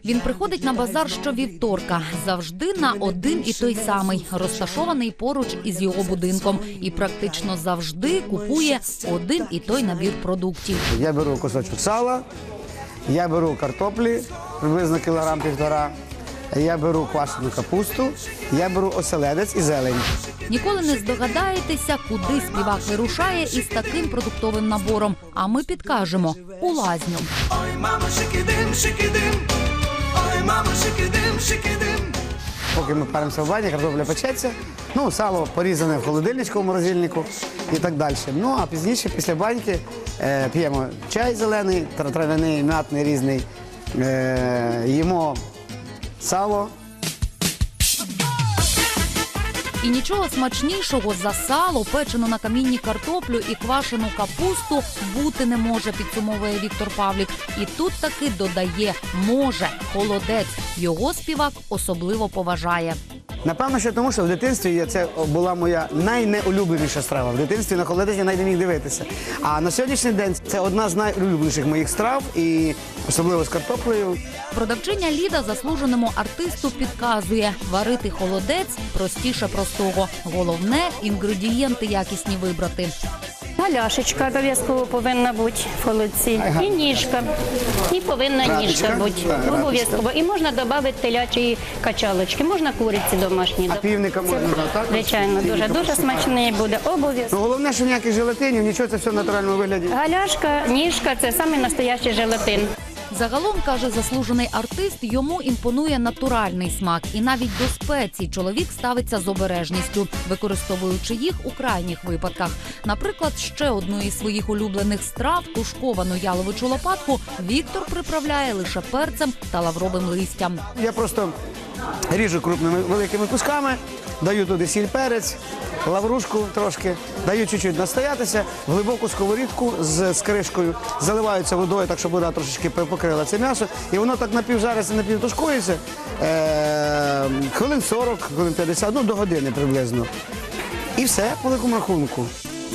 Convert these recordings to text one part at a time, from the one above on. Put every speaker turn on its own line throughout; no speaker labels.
Він приходить на базар щовівторка, завжди на один і той самий, розташований поруч із його будинком. І практично завжди купує один і той набір продуктів.
Я беру кусочок сала, я беру картоплі, приблизно кілограм-півтора, я беру квашену капусту, я беру оселедець і зелень.
Ніколи не здогадаєтеся, куди співак вирушає із таким продуктовим набором. А ми підкажемо – у лазню.
Ой, мамо, шикидим, шикидим. Ой, мамо, шикидим, шикидим.
Поки ми паримося в бані, картопля печеться, сало порізане в холодильничку, в морозильнику і так далі. А пізніше, після баньки, п'ємо чай зелений, трав'яний, м'ятний, різний, їмо сало.
І нічого смачнішого за сало, печену на камінні картоплю і квашену капусту бути не може, підсумовує Віктор Павлік. І тут таки додає «може» – холодець. Його співак особливо поважає.
Напевно, що тому, що в дитинстві це була моя найнеулюбленіша страва. В дитинстві на холодець я навіть не міг дивитися. А на сьогоднішній день це одна з найулюбленіших моїх страв, і особливо з картоплею.
Продавчиня Ліда заслуженому артисту підказує – варити холодець простіше простого. Головне – інгредієнти якісні вибрати.
Галяшечка обов'язково повинна бути в холодці. І ніжка. І повинна ніжка бути. Обов'язково. І можна додати телячі качалочки. Можна куриці домашні.
А півника можна, так?
Звичайно, дуже смачний буде. Обов'язково.
Головне, що ніяких желатинів, нічого, це все в натуральному вигляді.
Галяшка, ніжка – це самий настоящий желатин.
Загалом, каже заслужений артист, йому імпонує натуральний смак. І навіть до спецій чоловік ставиться з обережністю, використовуючи їх у крайніх випадках. Наприклад, ще одну із своїх улюблених страв – тушковану яловичу лопатку – Віктор приправляє лише перцем та лавровим листям.
Я просто ріжу крупними великими кусками, даю туди сіль, перець, лаврушку трошки, даю чуть-чуть настоятися, в глибоку сковорідку з кришкою, заливаються водою, так щоб вода трошечки покрила це м'ясо, і воно так напівжариться, напівтушкується, хвилин 40, хвилин 50, до години приблизно. І все по великому рахунку.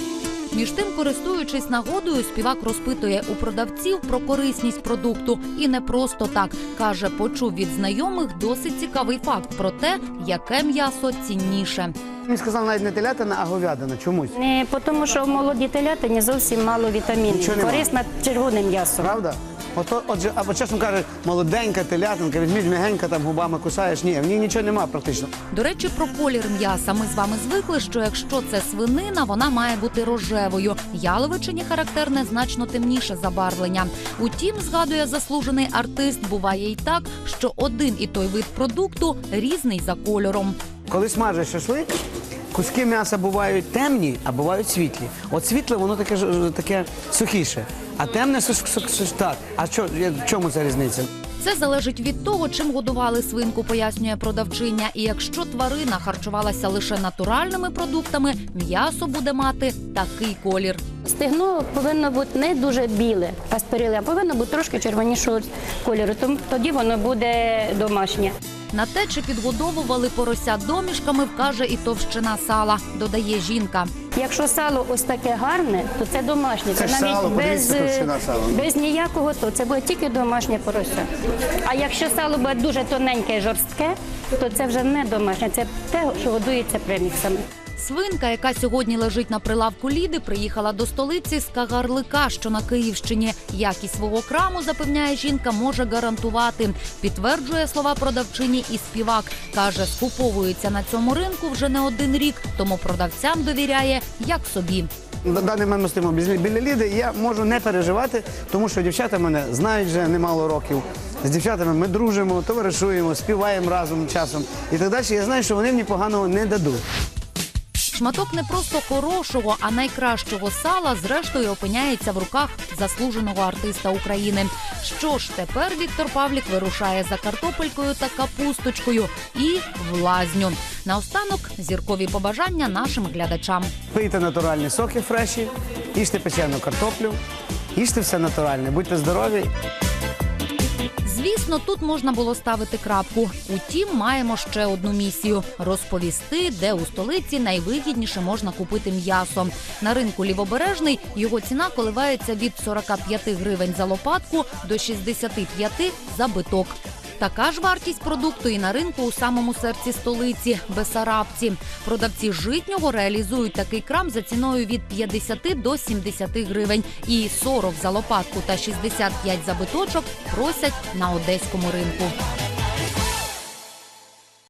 Між тим, користуючись нагодою, співак розпитує у продавців про корисність продукту. І не просто так. Каже, почув від знайомих досить цікавий факт про те, яке м'ясо цінніше.
Він сказав навіть не телятина, а говядина. Чомусь.
Не, тому що в молодій телятині зовсім мало вітамінів. Корисне червоне м'ясо.
Правда? Отже, або чесно кажуть, молоденька телятинка, візьміть м'ягенька, там губами кусаєш. Ні, в ній нічого нема практично.
До речі, про колір м'яса. Ми з вами звикли, що якщо це свинина, вона має бути рожевою. Яловичині характерне значно темніше забарвлення. Утім, згадує заслужений артист, буває й так, що один і той вид продукту різний за кольором.
Коли смажиш шашлик, куски м'яса бувають темні, а бувають світлі. От світле, воно таке сухіше, а темне так. А в чому ця різниця?
Це залежить від того, чим годували свинку, пояснює продавчиня. І якщо тварина харчувалася лише натуральними продуктами, м'ясо буде мати такий колір.
Стегно повинно бути не дуже біле, а спериле, а повинно бути трошки червонішого кольору. Тоді воно буде домашнє.
На те, чи підгодовували порося домішками, вкаже і товщина сала, додає жінка.
Якщо сало ось таке гарне, то це домашнє.
Це ж сало, подивіться, товщина сала.
Без ніякого, то це буде тільки домашнє порося. А якщо сало буде дуже тоненьке і жорстке, то це вже не домашнє, це те, що годується преміксами.
Свинка, яка сьогодні лежить на прилавку Ліди, приїхала до столиці з Кагарлика, що на Київщині. Якість свого краму, запевняє жінка, може гарантувати. Підтверджує слова продавчині і співак. Каже, скуповується на цьому ринку вже не один рік, тому продавцям довіряє, як собі.
На даний момент ми стоїмо біля Ліди, і я можу не переживати, тому що дівчата мене знають вже немало років. З дівчатами ми дружимо, товаришуємо, співаємо разом часом і так далі. Я знаю, що вони мені поганого не дадуть.
Шматок не просто хорошого, а найкращого сала, зрештою, опиняється в руках заслуженого артиста України. Що ж, тепер Віктор Павлік вирушає за картопелькою та капусточкою і в лазню. Наостанок зіркові побажання нашим глядачам.
Пийте натуральні соки фреші, їжте печену картоплю, їжте все натуральне, будьте здорові.
Звісно, тут можна було ставити крапку. Утім, маємо ще одну місію – розповісти, де у столиці найвигідніше можна купити м'ясо. На ринку Лівобережний його ціна коливається від 45 гривень за лопатку до 65 за биток. Така ж вартість продукту і на ринку у самому серці столиці – Бесарабці. Продавці житнього реалізують такий крам за ціною від 50 до 70 гривень. І 40 за лопатку та 65 за биточок просять на одеському ринку.